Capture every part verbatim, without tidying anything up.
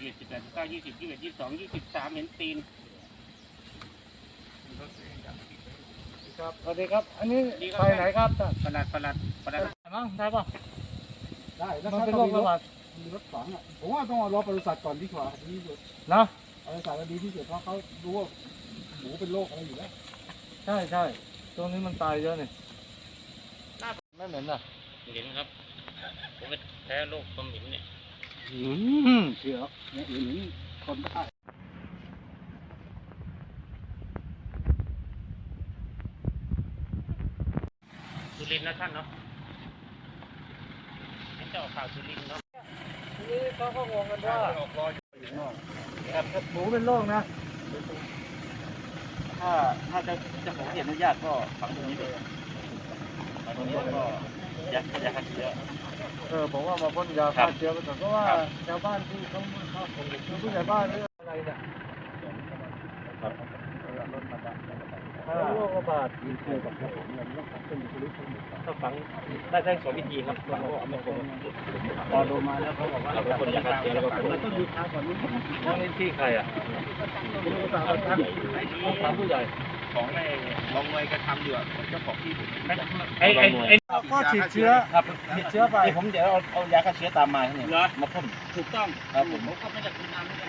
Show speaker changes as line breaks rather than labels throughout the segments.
สิบเอ็ดสิบแปดสิบเก้ายี่สิบยี่สิบเอ็ดยี่สิบสองยี่สิบสามเห็นตีน
ครับสวัสดีครับอันนี้ไปไหนครับ
ประหลัดประหลัดประหลัด
มั้งได้ป่ะ
ได้แล้วมันเป็นโรคระบาดมีรถฝังอ่ะผมว่าต้องรอบริษัทก่อนดีกว่าดีที่สุด
นะ
บริษัทดีที่สุดเพราะเขารู้ว่าหมูเป็นโรคอะไรอยู่แล้ว
ใช่ใช่ตรงนี้มันตายเยอะนี่ไม่เหม็นอ่ะ
เหม็นครับผมเป็นแพ้โรคความเหม็นเนี่ย
เชื่อเนี่ยอื่นคนได้
สุรินทร์นะท่านเนาะเจ้าข่าวสุรินทร์เนาะ
ทีนี้เขาก็งงกันว่าหมูเป็นโรคนะ
ถ้าถ้าจะจะขออนุญาตก็ฝังตรงนี้เลยฝังตรงนี้ก็ยายาฆ่าเชื้อ
เออผมว่ามาพ่นยาฆ่าเชื้อไปก่อนเพราะว่าชาวบ้านที่เขาเขาคือผู้ใหญ่บ้านหรืออะไรเนี่ยถ้าโรคระบาดมีเชื้อกับผมเนี่ยต้องฝังเป็นชนิด
ต้องฝังได้ทั้งสองวิธีครับเราก็เอามาคงพอดูมาแล้วเขาบอกว่าเราเป็นคนยาฆ่าเชื้อแล้วก็เราต้องดูทางก่อนนี้
นั่งเล่นที่ใครอ่ะถามผู้ใหญ่
ของในลองเลยกระทำอยู่อ่ะเจ้าของที่
ไอ้ไอ้ไอ้ก็ฉีดเชื้อ
ครับฉีดเชื้อไปผมเดี๋ยวเอาเอายาฆ่าเชื้อตามมาเนี่ยมาพ่นถูกต้องครับผมผมก็ไม่ได้คุณทำเหมือนกัน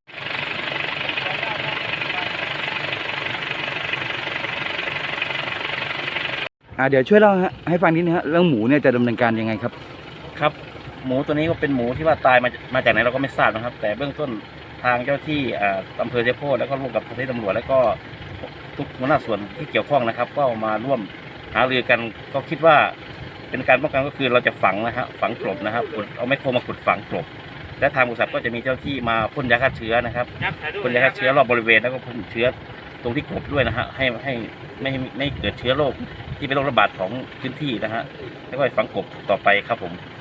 อ่าเดี๋ยวช่วยเล่าให้ฟังนิดนึงฮะเรื่องหมูเนี่ยจะดำเนินการยังไงครับ
ครับหมูตัวนี้ก็เป็นหมูที่ว่าตายมามาจากไหนเราก็ไม่ทราบนะครับแต่เบื้องต้นทางเจ้าที่อำเภอเชียงโพธิ์แล้วก็ร่วมกับเจ้าหน้าที่ตำรวจแล้วก็ทุกหัวหน้าส่วนที่เกี่ยวข้องนะครับก็มาร่วมหารือกันก็คิดว่าเป็นการป้องกันก็คือเราจะฝังนะฮะฝังกลบนะครับเอาไม้โครมาขุดฝังกลบและทางบริษัทก็จะมีเจ้าที่มาพ่นยาฆ่าเชื้อนะครับพ่นยาฆ่าเชื้อรอบบริเวณแล้วก็พ่นเชื้อตรงที่กลบด้วยนะฮะให้ให้ไม่ไม่เกิดเชื้อโรคที่เป็นโรคระบาดของพื้นที่นะฮะแล้วก็ฝังกลบต่อไปครับผม